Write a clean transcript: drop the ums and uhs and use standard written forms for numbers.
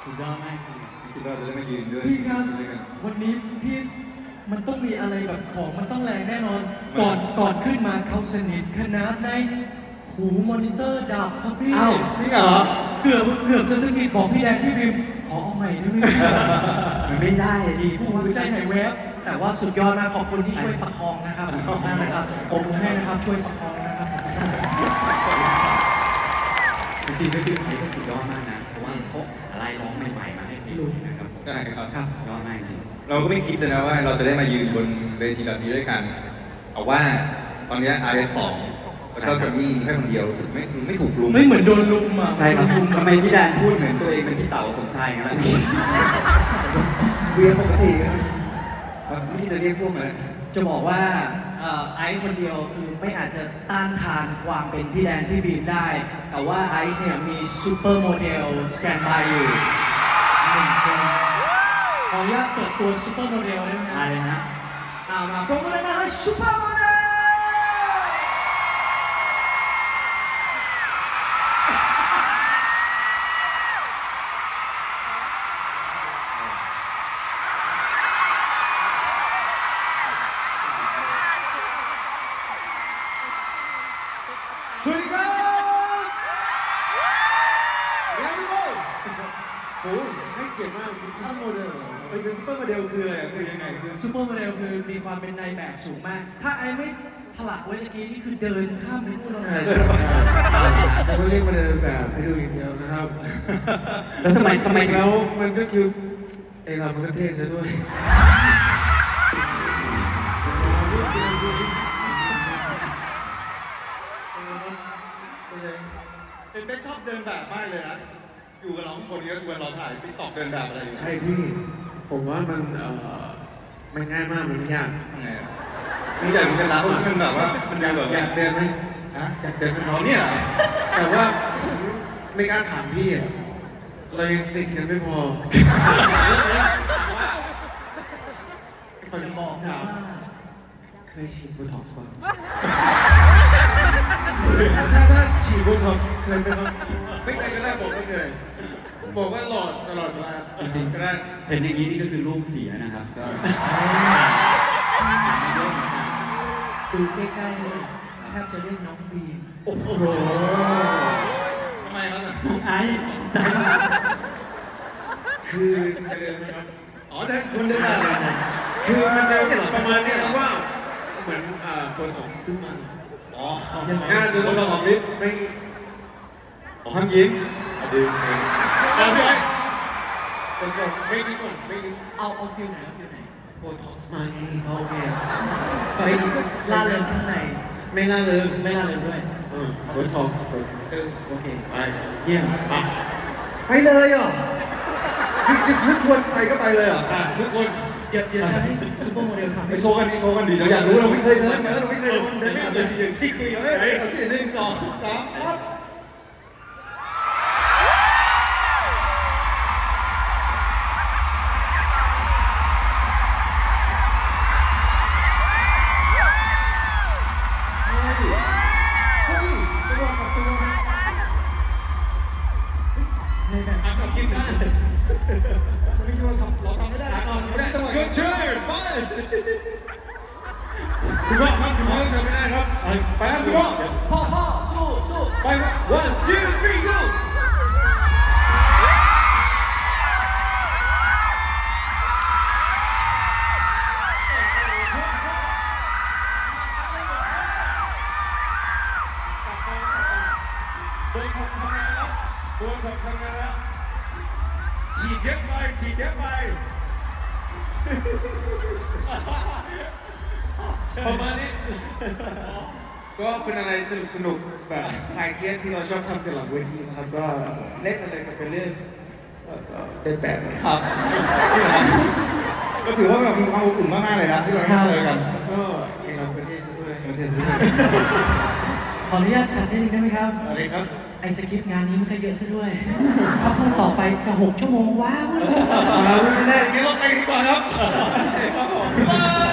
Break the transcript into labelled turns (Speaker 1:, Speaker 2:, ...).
Speaker 1: สุดยอดมากจริง
Speaker 2: ไม่คิดว่าจะได้มายืนด้วย
Speaker 3: พี่ครับ
Speaker 2: ด้วยกัน
Speaker 3: วันนี้พี่มันต้องมีอะไรแบบของมันต้องแรงแน่นอน ก่อนขึ้นมาเขาสนิทขนาดในหูมอนิเตอร์ดับครับพี่
Speaker 1: อ้าวจริงเหรอ
Speaker 3: เกือบจะสนิทบอกพี่แดงพี่บิมขอเอาใหม่ได้ไหม
Speaker 1: มันไม่ได้อะดี
Speaker 3: ผู้วิจัยหายแวบแต่ว่าสุดยอดมากขอบคุณที่ช่วยประคองนะครับขอบคุณมากนะครับผมให้นะครับช่วยประคองนะครับ
Speaker 1: จริงๆก็คือไทยก็สุดยอดมากนะเพราะว่าเขาอะไรร้องใหม่ๆมาให้เพลงนะครับผม
Speaker 2: ใช่ครับ
Speaker 3: ครับ
Speaker 1: ยอดมากจริง
Speaker 2: เราก็ไม่คิดเลยนะว่าเราจะได้มายืนบนเวทีแบบนี้ด้วยกันเอาว่าตอนนี้ RS2 แล้วก็กับนี่มีแค่คนเดียวรู้สึกไม่ถูกลุม
Speaker 3: ไม่เหมือนโดนลุมอ่ะ
Speaker 1: ใช่ครับทำไมพี่แดนพูดเหมือนตัวเองเป็นพี่เต๋าสมชายงั้นล่ะ
Speaker 2: เวียนปกติครับไม่คิดจะเรียกพวกนั้น
Speaker 3: จะบอกว่าไอซ์คนเดียวคือไม่อาจจะต้านทานความเป็นพี่แดนพี่บีมได้ แต่ว่าไอซ์เนี่ยมีซูเปอร์โมเดลสแตนบายอยู่หนึ่งคนขออนุญาตเปิดตัวซูเปอร์โมเดลได้ไหม
Speaker 1: อะไรนะ
Speaker 3: มาพร้อมกันเลยนะฮะซูเปอร์โมเดล
Speaker 2: สวัสดีครับยังไม่รู้โอ้ให้เกียรติมากเป็นซูเปอร์โมเดลเป็นซูเปอร์โมเดลคืออะไรคือยังไงคือ
Speaker 3: ซูเปอร์โมเดลคือมีความเป็นนายแบบสูงมาก ถ้าไอซ์ไม่ถลักไว้ตะกี้นี่คือเดินข้ามไปพูดแล้วนะ
Speaker 4: เราก็เรียกมาเดินแบบให้ดูอย่างเดียวนะครับ
Speaker 1: แล้วทำไม
Speaker 4: แล้วมันก็คือไอเรามันก็เท่ซะด้วย
Speaker 2: เป็นชอบเดินแบบมากเลยนะ อยู่กับเราข้างบนนี้ก็ชวนเราถ่ายติ๊กต็อกเดินแบบอะไรอยู่
Speaker 4: ใช่พี่ ผมว่ามันไม่ง่ายมากมันไม่ยาก
Speaker 2: ทำไงอ่ะนี่ใหญ่เหมือนกันนะเพราะมันแบบว่ามันยาวแบบ
Speaker 4: อยากเดินไหม
Speaker 2: ฮะ
Speaker 4: อยากเดินไหม
Speaker 2: เขาเนี่ยเหรอ
Speaker 4: แต่ว่าไม่กล้าถามพี่อะเรายังสนิทกันไม่พอ
Speaker 3: คนบอกว่า
Speaker 4: เคยฉีดโบท็อกซ์ป่ะถ้าฉีดโบท็อกซ์เคยไหมครับไม่เคยก็ได้บอกไม่เคยบอกว่าหลอดตลอดเวลา
Speaker 1: จริง
Speaker 4: ก็ได้
Speaker 1: ๆเห็นอย่างนี้นี่ก็คือลูกเสียนะครับก็
Speaker 3: ดูใกล้ๆเลยแทบจะเรียกน้องบีม
Speaker 4: โอ้โห
Speaker 2: ทำไมครับ
Speaker 1: ไอ้ใจมาก
Speaker 4: คือจะเดินไหมครับ
Speaker 2: อ๋อแต่คนเดินแบบเหรอ
Speaker 4: คือมันจะประมาณเนี้ยครับว่าเหมือนคนสองขึ้นมา
Speaker 2: อ๋อ
Speaker 4: น่าจะ
Speaker 2: คนเราออกฤทธิ์
Speaker 4: ไม่
Speaker 2: อ๋อห้ามยิ้มดึงเอง
Speaker 4: เอาพี่ไอ้คนสองไม่ดีก่อนไม่ดี
Speaker 3: เอาฟิลไหนเอาฟิลไหน
Speaker 4: โบท็อกซ์มาไง
Speaker 3: โอเคไม่ล่าเริงข้างใน
Speaker 4: ไม่น่าเลย
Speaker 3: ไม่ล่าเริงด้วย
Speaker 4: โบท็อกซ์
Speaker 3: โอเค
Speaker 4: ไป
Speaker 3: เยี่ยม
Speaker 2: ไปเลยเหรอคือชวนไปก็ไปเลยเหรอ
Speaker 4: ทุกคน
Speaker 3: เดี๋ยวจะให้ซูเปอร์โมเดลทำ
Speaker 2: ไป
Speaker 3: ให้
Speaker 2: โชว์กันดิโชว์กันดิเราอยากรู้เราไม่เคยเดินเราไม่เคยเดินอย่างที่คุยกันเลยเอาที่หนึ่งสองสามปั๊บ
Speaker 3: ในแบบ
Speaker 4: กับคิดได้
Speaker 2: ไม่คิดว่าเราทำไม่ได้ก่อนไม่ได้จังหวะ
Speaker 4: Good turn
Speaker 2: ไป
Speaker 4: คุณพ่อครับคุณพ่อทำไม่ได้ครับไปครับคุณพ่อ
Speaker 3: พ่อสู้
Speaker 4: ไปครับ
Speaker 2: one two three go
Speaker 4: โดนทำงานแล้วโดนทำงานแล้วฉีดเยอะไปฉีดเยอะไปประมาณนี้ก็เป็นอะไรสนุกแบบคลายเครียดที่เราชอบทำกันหลังเวทีนะครับก็เล่นอะไรกันเป็นเรื่องเล่นแบบนะครับ
Speaker 2: ก็ถือว่าแบบมีความอบอุ่นมากๆเลยนะที่เราได้เจอกัน
Speaker 4: ก็เองเราประเทศด้วย
Speaker 2: ประเทศนี้
Speaker 3: ขออนุญาตขัดนิดนึงได้ไหมครับ
Speaker 4: อะไรครับ
Speaker 3: ไอสคริปต์งานนี้มันก็เยอะซะด้วย ถ้าพูดต่อไปจะ6 ชั่วโมงว้าว
Speaker 4: ไม่ได้งั้นเราไปดีกว่าครับ
Speaker 2: ครับผม